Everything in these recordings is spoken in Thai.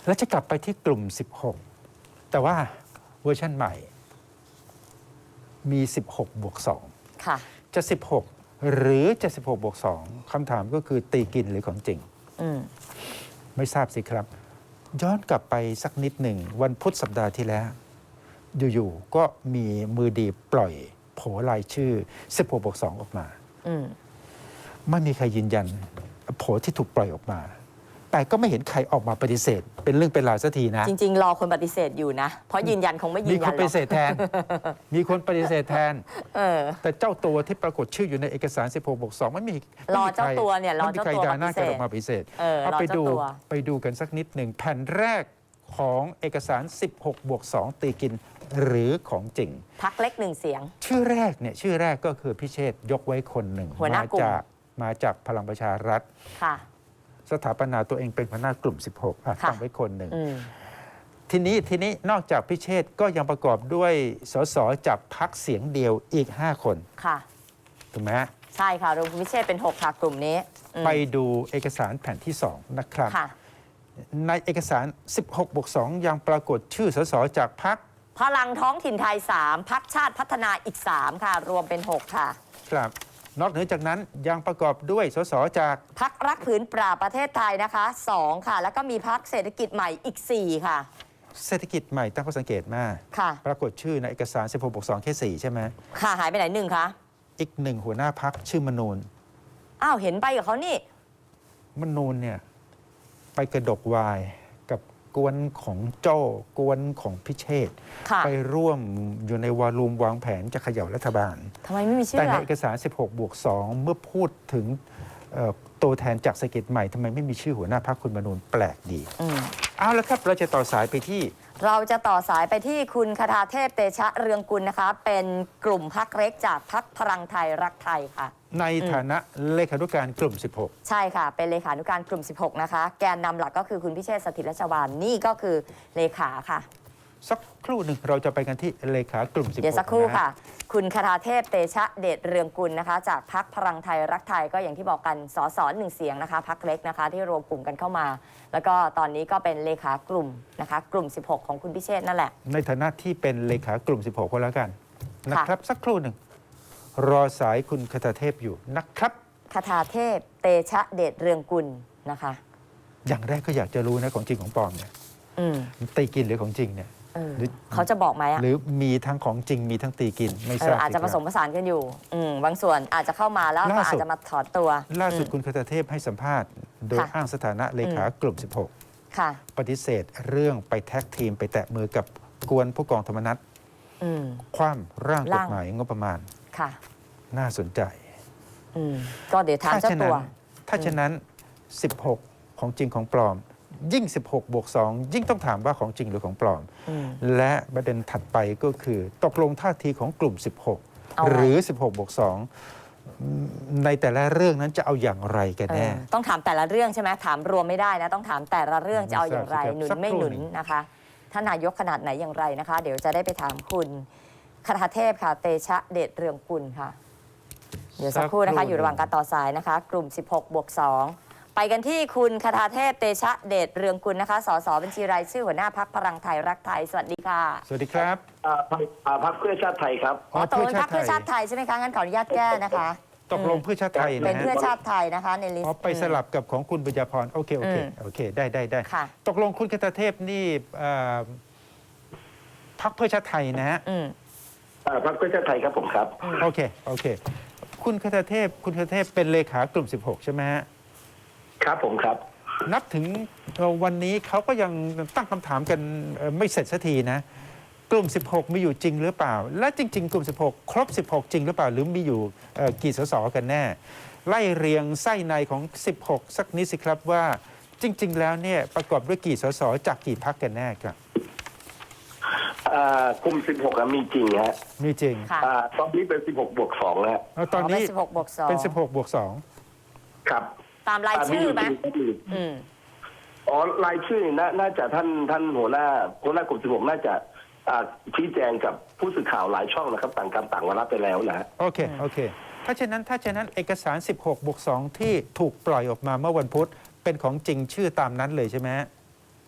แล้วจะกลับไปที่กลุ่ม 16 แต่ว่าเวอร์ชันใหม่มี 16+2 ค่ะจะ 16 หรือจะ 16+2 คำถามก็คือตีกินหรือของจริง ไม่ทราบสิครับ ย้อนกลับไปสักนิดหนึ่งวันพุธสัปดาห์ที่แล้ว อยู่ๆก็มีมือดีปล่อยโผรายชื่อ 16+2 ออกมาไม่มีใครยืนยันโผที่ถูกปล่อยออกมา แต่ก็ไม่เห็นใครออกมาปฏิเสธ เป็นเรื่องเป็นราวสักทีนะจริงๆรอคนปฏิเสธอยู่นะ เพราะยืนยันคงไม่ยืนยันหรอกมีคนปฏิเสธแทน มีคนปฏิเสธแทน แต่เจ้าตัวที่ปรากฏชื่ออยู่ในเอกสาร 16+2 ไม่มีรอเจ้าตัวเนี่ยรอเจ้าตัวปฏิเสธไม่มีใครด่าหน้ากันออกมาปฏิเสธเอาไปดูกันสักนิดหนึ่งแผ่นแรกของเอกสาร 16+2 ตีกินหรือของจริงพรรคเล็กหนึ่งเสียงชื่อแรกก็คือพิเชษฐ์ยกไว้คนหนึ่งหัวหน้ากลุ่มมาจากพลังประชารัฐค่ะสถาปนาตัวเองเป็นหัวหน้ากลุ่ม 16 ค่ะตั้งไว้คนหนึ่ง ทีนี้นอกจากพิเชษฐ์ก็ยังประกอบด้วยสสจากพรรคเสียงเดียวอีก 5 คนค่ะถูกไหมฮะใช่ค่ะรวมคุณพิเชษเป็น 6 ค่ะกลุ่มนี้ไปดูเอกสารแผ่นที่ 2 นะครับค่ะในเอกสาร 16+2 ยังปรากฏชื่อสสจากพรรคพลังท้องถิ่นไทย 3 พรรคชาติพัฒนาอีก 3 ค่ะ รวมเป็น 6 ค่ะครับ นอกเหนือจากนั้นยังประกอบด้วยสสจากพรรครักผืนป่าประเทศไทยนะคะ 2 ค่ะ แล้วก็มีพรรคเศรษฐกิจใหม่อีก 4 ค่ะเศรษฐกิจใหม่ตั้งข้อสังเกตมากค่ะปรากฏชื่อในเอกสาร 16+2 แค่ 4 ใช่ไหมค่ะหายไปไหนหนึ่งคะอีกหนึ่งหัวหน้าพรรคชื่อมนูนอ้าวเห็นไปกับเขานี่มนูนเนี่ยไปกระดกวายกับกวนของโจ้กวนของพิเชษฐ์ค่ะไปร่วมอยู่ในวารูมวางแผนจะเขย่ารัฐบาลทำไมไม่มีชื่แต่อในอะเอกสาร 16+2 เมื่อพูดถึงตัวแทนจากเศรษฐกิจใหม่ทำไมไม่มีชื่อหัวหน้าพรรคคุณมนูนแปลกดี เอาละครับ เราจะต่อสายไปที่เราจะต่อสายไปที่คุณคทาเทพเตชะเรืองกุลนะคะ เป็นกลุ่มพรรคเล็กจากพรรคพลังไทยรักไทยค่ะในฐานะเลขานุการกลุ่มใช่ค่ะ เป็นเลขานุการกลุ่ม 16 นะคะ แกนนำหลักก็คือคุณพิเชษฐ์สถิตรัชวานนี่ก็คือเลขาค่ะ 16 สักครู่หนึ่งเราจะไปกันที่เลขากลุ่ม 16 เดี๋ยวสักครู่นค่ะ คุณคทาเทพเตชะเดชเรืองกุลนะคะ จากพรรคพลังไทยรักไทยก็อย่างที่บอกกันสสหนึ่งเสียงนะคะพรรคเล็กนะคะ ที่รวมกลุ่มกันเข้ามา แล้วก็ตอนนี้ก็เป็นเลขากลุ่มนะคะ กลุ่ม 16 ของคุณพิเชษฐ์นั่นแหละในฐานะที่เป็นเลขากลุ่ม 16 ก็แล้วกันนะครับ สักครู่หนึ่งรอสายคุณคทาเทพอยู่นะครับคทาเทพเตชะเดชเรืองกุลนะคะอย่างแรกก็อยากจะรู้นะของจริงของปลอมเนี่ย ตีกินหรือของจริงเนี่ย หรือเขาจะบอกไหมอะหรือมีทั้งของจริงมีทั้งตีกินไม่ทราบอาจจะผสมผสานกันอยู่บางส่วนอาจจะเข้ามาแล้วก็อาจจะมาถอนตัวล่าสุดคุณคทาเทพให้สัมภาษณ์ โดยค่ะอ้างสถานะเลขากลุ่มค่ะ 16 ปฏิเสธเรื่องไปแท็กทีมไปแตะมือกับกวนผู้กองธรรมนัฐ คว่ำร่างกฎหมายงบประมาณค่ะน่าสนใจก็เดี๋ยวถามเจ้าตัวถ้าฉะนั้น 16 ของจริงของปลอม ยิ่ง 16+2 ยิ่งต้องถามว่าของจริงหรือของปลอม และประเด็นถัดไปก็คือตกลงท่าทีของกลุ่ม 16 หรือ 16+2 ในแต่ละเรื่องนั้นจะเอาอย่างไรกันแน่ต้องถามแต่ละเรื่องใช่ไหมถามรวมไม่ได้นะ ต้องถามแต่ละเรื่องจะเอาอย่างไรไม่ทราบหนุนสักไม่ครู่หนุนหนึ่งนะคะท่านนายกขนาดไหนอย่างไรนะคะ เดี๋ยวจะได้ไปถามคุณคทาเทพค่ะ เตชะเดชเรืองกุลค่ะ เดี๋ยวสักครู่นะคะ อยู่ระหว่างการต่อสายนะคะ กลุ่ม 16+2 ไปกันที่คุณคทาเทพเตชะเดชเรืองกุลนะคะ สสบัญชีรายชื่อหัวหน้าพรรคพลังไทยรักไทย สวัสดีค่ะสวัสดีครับพรรคเพื่อชาติไทยครับตกลงพรรคเพื่อชาติไทยใช่ไหมคะงั้นขออนุญาตแก้นะคะตกลงเพื่อชาติไทยเป็นะนฮะเพื่อชาติไทยนะคะในลิสต์ไปสลับกับของคุณบุญญาพรโอเคได้ค่ะตกลงคุณคทาเทพนี่พรรคเพื่อชาติไทยนะฮะพรรคเพื่อชาติไทยครับผมครับโอเคคุณคทาเทพเป็นเลขากลุ่ม 16 ใช่ไหมฮะครับผมครับนับถึงวันนี้เขาก็ยังตั้งคำถามกันไม่เสร็จสักทีนะ กลุ่ม 16 มีอยู่จริงหรือเปล่า และจริง ๆ กลุ่ม 16 ครบ 16 จริงหรือเปล่า หรือมีอยู่กี่สสกันแน่ ไล่เรียงไส้ในของ 16 สักนิดสิครับว่าจริง ๆ แล้วเนี่ยประกอบด้วยกี่สสจากกี่พรรคกันแน่ครับกลุ่ม 16มีจริงฮะมีจริงค่ะตอนนี้เป็น 16+2แล้วตอนนี้ 16+2 เป็น 16+2 ครับตามรายชื่อไหมรายชื่อน่าจะท่านหัวหน้ากลุ่ม 16 น่าจะชี้แจงกับผู้สื่อข่าวหลายช่องนะครับต่างกรรมต่างวาระไปแล้วนะโอเคถ้าฉะนั้นเอกสาร 16+2 ที่ถูกปล่อยออกมาเมื่อวันพุธเป็นของจริงชื่อตามนั้นเลยใช่ไหมฮะ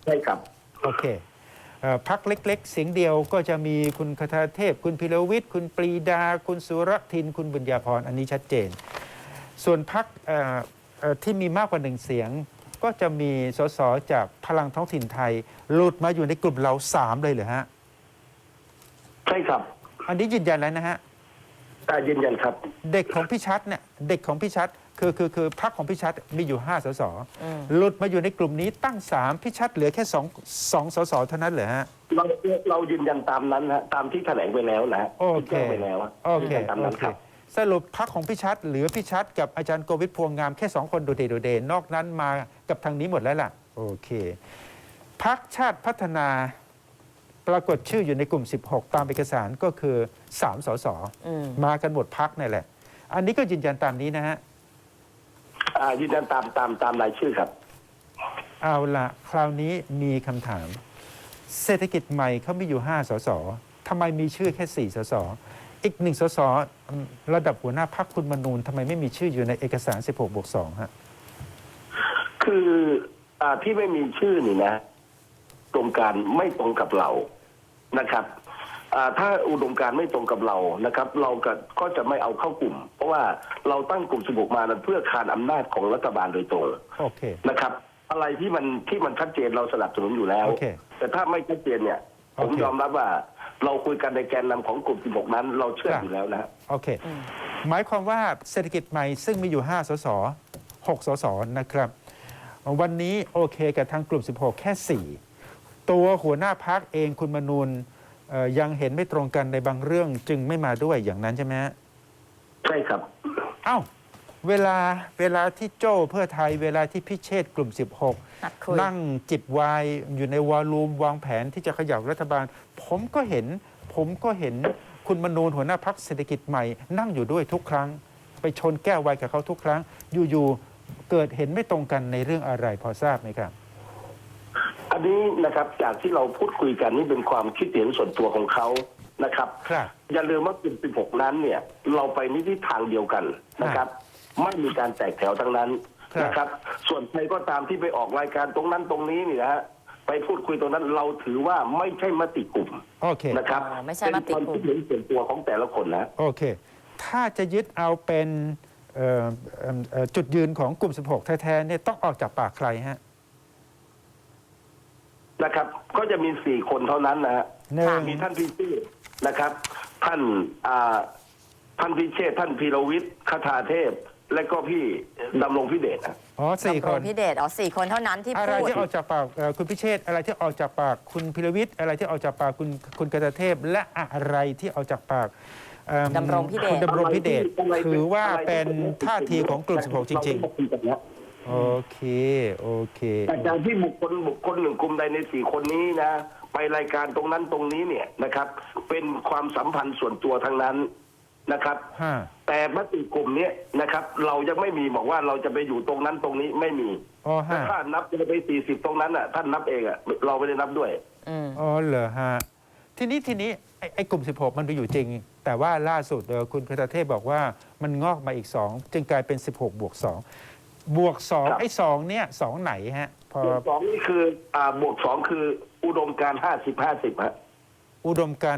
ใช่ครับโอเคพักเล็กๆ เสียงเดียวก็จะมีคุณคทาเทพ คุณพิรวิทย์คุณปรีดา คุณสุรทิน คุณบุญญาพรอันนี้ชัดเจน ส่วนพักที่มีมากกว่าหนึ่งเสียง ก็จะมีสสจากพลังท้องถิ่นไทยหลุดมาอยู่ในกลุ่มเรา3เลยเหรอฮะใช่ครับอันนี้ยืนยันแล้วนะฮะยืนยันครับเด็กของพี่ชัดเนี่ยเด็กของพี่ชัดคือพรรคของพี่ชัดมีอยู่5 สสอืมหลุดมาอยู่ในกลุ่มนี้ตั้ง3พี่ชัดเหลือแค่2 สสเท่านั้นเหรอฮะเรายืนยันตามนั้นฮะตามที่แถลงไปแล้วนะฮะโอที่เคแจ้งไปแล้วฮะโอยืเคนยันตามโอนั้นเคครับสรุปพรรคของพี่ชัดเหลือพี่ชัดกับอาจารย์โกวิทพวงงามแค่2 คนโดดเด่นนอกนั้นมากับทางนี้หมดแล้วล่ะโอเคพรรคชาติพัฒนาปรากฏชื่ออยู่ในกลุ่ม 16 ตามเอกสารก็คือ3 สสอืมมากันหมดพรรคนี่แหละ อันนี้ก็ยืนยันตามนี้นะฮะยืนยันตามรายชื่อครับเอาละคราวนี้มีคำถาม เศรษฐกิจใหม่เขามีอยู่5 สสทำไมมีชื่อแค่4 สสอีก1 สสระดับหัวหน้าพรรคคุณมนูนทำไมไม่มีชื่ออยู่ในเอกสาร 16+2 ฮะคือที่ไม่มีชื่อนี่นะอุดมการณ์ไม่ตรงกับเรานะครับถ้าอุดมการณ์ไม่ตรงกับเรานะครับ เราก็จะไม่เอาเข้ากลุ่ม เพราะว่าเราตั้งกลุ่ม16มานั้นเพื่อคานอำนาจของรัฐบาลโดยตรงโอเคนะครับ อะไรที่มันชัดเจนเราสนับสนุนอยู่แล้วโอเคแต่ถ้าไม่ชัดเจนเนี่ยโอผมเคยอมรับว่าเราคุยกันในแกนนำของกลุ่ม16นั้น เราเชื่อครับอยู่แล้วนะฮะโอเค หมายความว่าเศรษฐกิจใหม่ซึ่งมีอยู่5 สส 6 สส นะครับ วันนี้โอเคกับทางกลุ่ม 16 แค่ 4 ตัวหัวหน้าพักเองคุณมนูนยังเห็นไม่ตรงกันในบางเรื่องจึงไม่มาด้วยอย่างนั้นใช่ไหมฮะใช่ครับเอ้าเวลาที่โจ้เพื่อไทยเวลาที่พิเชษฐ์กลุ่มนัดคุย 16 นั่งจิบไวน์อยู่ในวอลลุ่มวางแผนที่จะเขย่ารัฐบาล ผมก็เห็นคุณมนูนหัวหน้าพักเศรษฐกิจใหม่นั่งอยู่ด้วยทุกครั้ง ไปชนแก้วไวน์กับเขาทุกครั้ง อยู่ๆเกิดเห็นไม่ตรงกันในเรื่องอะไรพอทราบไหมครับอันนี้นะครับจากที่เราพูดคุยกันนี่เป็นความคิดเห็นส่วนตัวของเขานะครับครับอย่าลืมว่ากลุ่ม16นั้นเนี่ย เราไปในทิศทางเดียวกันนะครับ ไม่มีการแตกแถวทั้งนั้นครับนะครับ ส่วนใครก็ตามที่ไปออกรายการตรงนั้นตรงนี้นี่นะฮะไปพูดคุยตรงนั้นเราถือว่าไม่ใช่มติกลุ่มโอเคนะครับไม่ใช่มติกลุ่มเป็นความคิดเห็นส่วนตัวของแต่ละคนนะโอเค ถ้าจะยึดเอาเป็นจุดยืนของกลุ่ม 16 แท้ๆเนี่ยต้องออกจากปากใครฮะนะครับ ก็จะมี4 คนเท่านั้นนะฮะหนึ่งมีท่านพิเชษฐ์นะครับ ท่านพิเชษฐ์ท่านพีรวิทย์คทาเทพ และก็พี่ดำรงพิเดชนะอ๋อสี่ดำครงนพิเดช4 คนเท่านั้นที่อะไรพูดที่ออกจากปากคุณพิเชษฐ์อะไรที่ออกจากปากคุณพิรวิทย์อะไรที่ออกจากปากคุณกตเทพ และอะไรที่ออกจากปากดำรงพิเดชคุณดำรงพิเดชอะไรที่ถือว่าเป็นท่าทีของกลุ่ม 16 จริงๆๆ โอเค โอเคแต่การที่บุคคลหนึ่งกลุ่มใดใน4 คนนี้นะ ไปรายการตรงนั้นตรงนี้เนี่ยนะครับ เป็นความสัมพันธ์ส่วนตัวทั้งนั้นนะครับห้าแต่มติกลุ่มเนี้ยนะครับ เรายังไม่มีบอกว่าเราจะไปอยู่ตรงนั้นตรงนี้ไม่มีอ๋อแต่ห้าถ้านับจะไป40ตรงนั้นอ่ะท่านนับเองอ่ะเราไม่ได้นับด้วยอืมอ๋อเหรอฮะ ทีนี้ไอ้กลุ่ม 16 มันไปอยู่จริง แต่ว่าล่าสุดคุณกตเทพบอกว่ามันงอกมาอีก 2 จึงกลายเป็น 16+2 บวกครับ 2 ไอ้ 2 เนี่ย 2 ไหนฮะ พอบวก2นี่คือบวก2คืออุดมการณ์50-50ฮะอุดมการณ์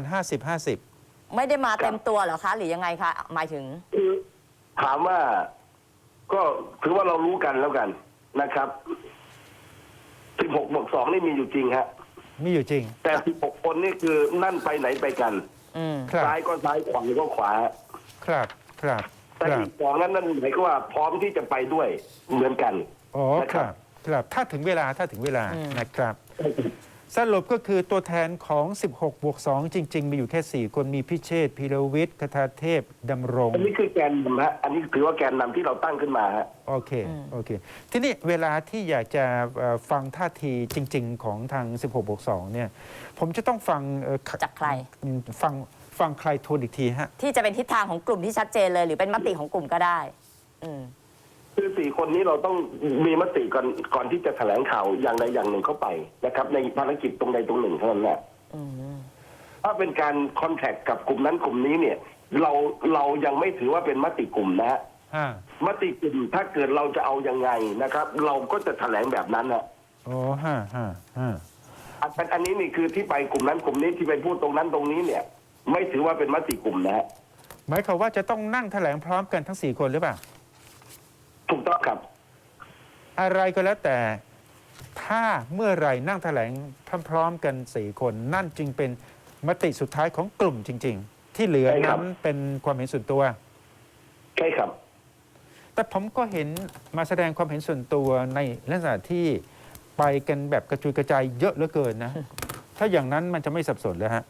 50-50 ไม่ได้มาเต็มตัวเหรอคะ หรือยังไงคะ หมายถึงคือถามว่าก็ถือว่าเรารู้กันแล้วกันนะครับ16บวก2นี่มีอยู่จริงฮะมีอยู่จริงแต่16คนนี่คือนั่นไปไหนไปกันอืมครับซ้ายก็ซ้ายขวาก็ขวาครับครับแต่ครับอีก2นั้นหมายความว่าพร้อมที่จะไปด้วยเหมือนกันอ๋อนะคครัรับ ครับ ถ้าถึงเวลาอืมนะครับ สรุปก็คือตัวแทนของ 16+2 จริง ๆ มีอยู่แค่ 4 คนมีพิเชษฐ์พีรวิทย์คทาเทพดำรงอันนี้คือแกนนำฮะอันนี้ถือว่าแกนนำที่เราตั้งขึ้นมาฮะโอเค โอเค ทีนี้เวลาที่อยากจะฟังท่าทีจริง ๆ ของทาง 16+2 เนี่ย ผมจะต้องฟังจากใครฟังใครทวนอีกทีฮะที่จะเป็นทิศทางของกลุ่มที่ชัดเจนเลย หรือเป็นมติของกลุ่มก็ได้ อืมคือ4 คนนี้เราต้องมีมติก่อนที่จะแถลงข่าวอย่างใดอย่างหนึ่งเข้าไปนะครับ ในภารกิจตรงใดตรงหนึ่งเท่านั้นแหละอืมถ้าเป็นการคอนแทคกับกลุ่มนั้นกลุ่มนี้เนี่ย เรายังไม่ถือว่าเป็นมติกลุ่มนะฮะ มติกลุ่มถ้าเกิดเราจะเอายังไงนะครับ เราก็จะแถลงแบบนั้นนะโอ้ฮะอันนี้นี่คือที่ไปกลุ่มนั้นกลุ่มนี้ที่ไปพูดตรงนั้นตรงนี้เนี่ย ไม่ถือว่าเป็นมติกลุ่มนะฮะหมายความว่าจะต้องนั่งแถลงพร้อมกันทั้ง4 คนหรือเปล่าถูกต้องครับอะไรก็แล้วแต่ถ้าเมื่อไหร่นั่งแถลงพร้อมๆกัน4 คนนั่นจึงเป็นมติสุดท้ายของกลุ่มจริง ๆ ที่เหลือใช่ครันั้บนเป็นความเห็นส่วนตัวใช่ครับแต่ผมก็เห็นมาแสดงความเห็นส่วนตัวในลักษณะที่ไปกันแบบกระจุยกระจายเยอะเหลือเกินนะ ถ้าอย่างนั้นมันจะไม่สับสนแล้วฮะ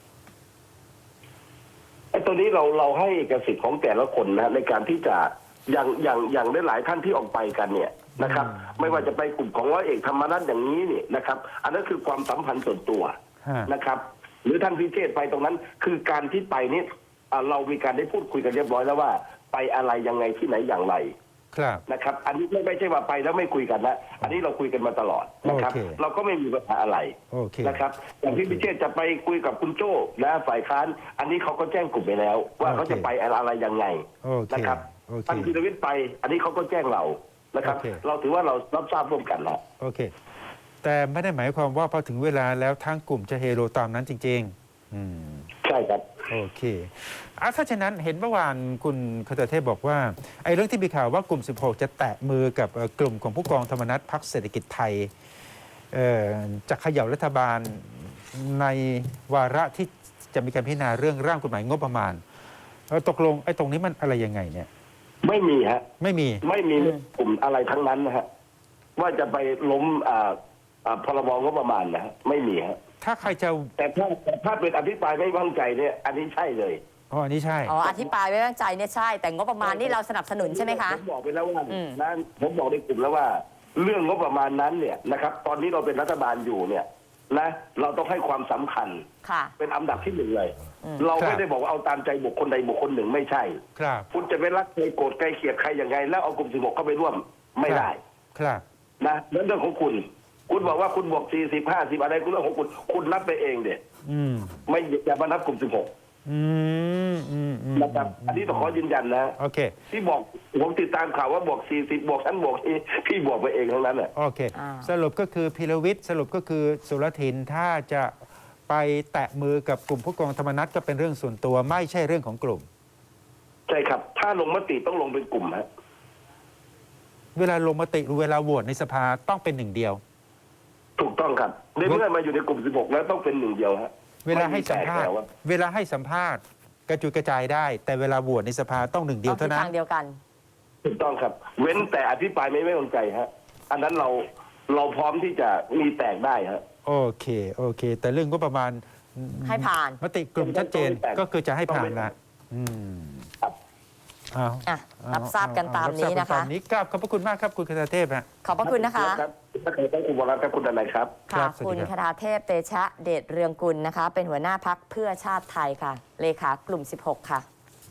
ไอ้ตัวนี้เราให้เอกสิทธิ์ของแต่ละคนนะในการที่จะอย่างได้หลายท่านที่ออกไปกันเนี่ยนะครับ ไม่ว่าจะไปกลุ่มของร้อยเอกธรรมนัฐอย่างนี้เนี่ยนะครับ อันนั้นคือความสัมพันธ์ส่วนตัวฮะนะครับ หรือท่านพิเชษไปตรงนั้น คือการที่ไปนี่เรามีการได้พูดคุยกันเรียบร้อยแล้วว่า ไปอะไรยังไงที่ไหนอย่างไรครับนะครับ อันนี้ไม่ใช่ว่าไปแล้วไม่คุยกันนะอันนี้เราคุยกันมาตลอดนะครับโอเคเราก็ไม่มีปัญหาอะไรโอเคนะครับอย่างที่พิเชษจะไปคุยกับคุณโจ้นะฝ่ายค้านอันนี้เขาก็แจ้งกลุ่มไปแล้ว ว่าเขาจะไปอะไรยังไงโอเคนะครับโอเคท่านพิรวิทย์ไป อันนี้เขาก็แจ้งเรานะครับโอเคเราถือว่าเรารับทราบร่วมกันแล้วโอเค แต่ไม่ได้หมายความว่าพอถึงเวลาแล้วทั้งกลุ่มจะเฮโรตามนั้นจริงๆใช่ครับโอเคถ้าฉะนั้นเห็นเมื่อวานคุณคตเทพบอกว่าไอ้เรื่องที่มีข่าวว่ากลุ่ม 16 จะแตะมือกับกลุ่มของผู้กองธรรมนัฐพรรคเศรษฐกิจไทยจะเขย่ารัฐบาลในวาระที่จะมีการพิจารณาเรื่องร่างกฎหมายงบประมาณตกลงไอ้ตรงนี้มันอะไรยังไงเนี่ยไม่มีฮะไม่มีไม่มีกลุ่มอะไรทั้งนั้นนะฮะว่าจะไปล้มพรบงบประมาณนะฮะไม่มีฮะถ้าใครจะแต่ถ้าเป็นอภิปรายไม่วางใจเนี่ย อันนี้ใช่เลยอ๋ออันนี้ใช่อ๋ออธิบายไว้วางใจเนี่ยใช่ แต่งบประมาณนี่เราสนับสนุนใช่ไหมคะผมบอกไปแล้วว่าอืมนะผมบอกในกลุ่มแล้วว่า เรื่องงบประมาณนั้นเนี่ยนะครับ ตอนนี้เราเป็นรัฐบาลอยู่เนี่ยนะเราต้องให้ความสำคัญค่ะเป็นอันดับที่ 1เลยอืมเราครับไม่ได้บอกว่าเอาตามใจบุคคลใดบุคคลหนึ่งไม่ใช่ครับคุณจะไปรักใครโกรธใครเกลียดใครยังไง แล้วเอากลุ่ม 16 เข้าไปร่วมไม่ได้ครับนะนั่นเรื่องของคุณ คุณบอกว่าคุณบวก40 50อะไรคุณเรื่องของคุณ คุณนับไปเองเด็ดอืมไม่อย่ามานับกลุ่มอืมนะครับ อันนี้ต้องขอยืนยันนะโอเคที่บอกผมติดตามข่าวว่าบวก40บวกฉันบวกพี่บวกไปเองทั้งนั้นแหละโอเคอ่าสรุปก็คือพิรวิทย์สรุปก็คือสุรทินถ้าจะไปแตะมือกับกลุ่มผู้กองธรรมนัฐก็เป็นเรื่องส่วนตัวไม่ใช่เรื่องของกลุ่มใช่ครับ ถ้าลงมติต้องลงเป็นกลุ่มฮะเวลาลงมติหรือเวลาโหวตในสภาต้องเป็นหนึ่งเดียวถูกต้องครับในเมื่อมาอยู่ในกลุ่ม 16 แล้วต้องเป็นหนึ่งเดียวฮะเวลาให้สัมภาษณ์ไแตกแล้วอะเวลาให้สัมภาษณ์กระจุยกระจายได้ แต่เวลาโหวตในสภาต้องหนึ่งเดียวต้องทิเท่าศนั้ทาน งเดียวกันถูกต้องครับ เว้นแต่อภิปรายไม่ไว้วางใจฮะ อันนั้นเราพร้อมที่จะมีแตกได้ฮะโอเคโอเค แต่เรื่องก็ประมาณให้ผ่านมติกลุ่มชัดเจนก็คือจะให้ผ่านละอืมครับเอาอ่ะรับทราบกันตามนี้นะคะรับทราบกัตามนี้กราบขอบพระคุณมากครับคุณคทเทพฮะขอบพระคุณนะคะรับถ้าเกิดต้องคุณวรัตน์ครับคุณอะไรครับครัค่ะบสวัสดีคุณครับคทาเทพเตชะเดชเรืองกุลนะคะ เป็นหัวหน้าพักเพื่อชาติไทยค่ะ เลขากลุ่ม 16 ค่ะ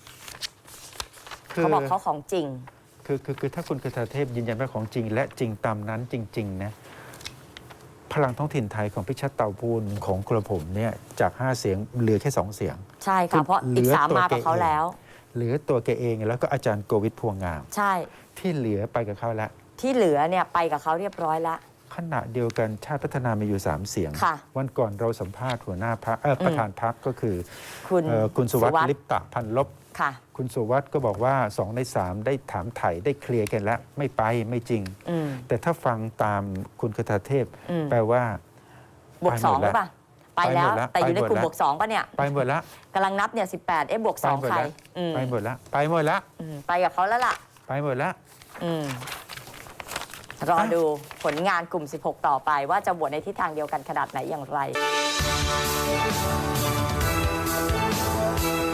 เขาบอกเขาของจริงคือถ้าคุณคทเทพยืนยันว่าของจริง และจริงตามนั้นจริง ๆ นะ พลังท้องถิ่นไทยของพิชัดเต่าพูนของกระผมเนี่ยจาก 5 เสียงเหลือแค่ 2 เสียงใช่ค่ะ เพราะอีก 3 มากับเขาแล้วเหลือตัวแกเองแล้วก็อาจารย์โกวิทพวงงามใช่ที่เหลือไปกับเขาแล้วที่เหลือเนี่ยไปกับเขาเรียบร้อยแล้วขณะเดียวกันชาติพัฒนามีอยู่ 3 เสียงค่ะวันก่อนเราสัมภาษณ์หัวหน้าพักประธานพักก็คือคุณคุณสุวัสดิ์ลิปตะพันลบค่ะคุณสุวัสด์ก็บอกว่า2 ใน 3 ได้ถามไถ่ได้เคลียร์กันแล้ว ไม่ไปไม่จริงอืมแต่ถ้าฟังตามคุณคทเทพอืมแปลว่าบวก 2 หรือเปล่า ไปแล้วไปหมดแล้วแต่อยู่ในกลุ่มไปหมดแล้วบวก 2 ป่ะเนี่ยไปหมดละกำลังนับเนี่ย 18 บวกไปหม 2 ดใครละอืมไปหมดละไปหมดละอืมไปกับเขาแล้วล่ะไปหมดละอืมรอดูผลงานกลุ่ม 16 ต่อไป ว่าจะโหวตในทิศทางเดียวกันขนาดไหนอย่างไร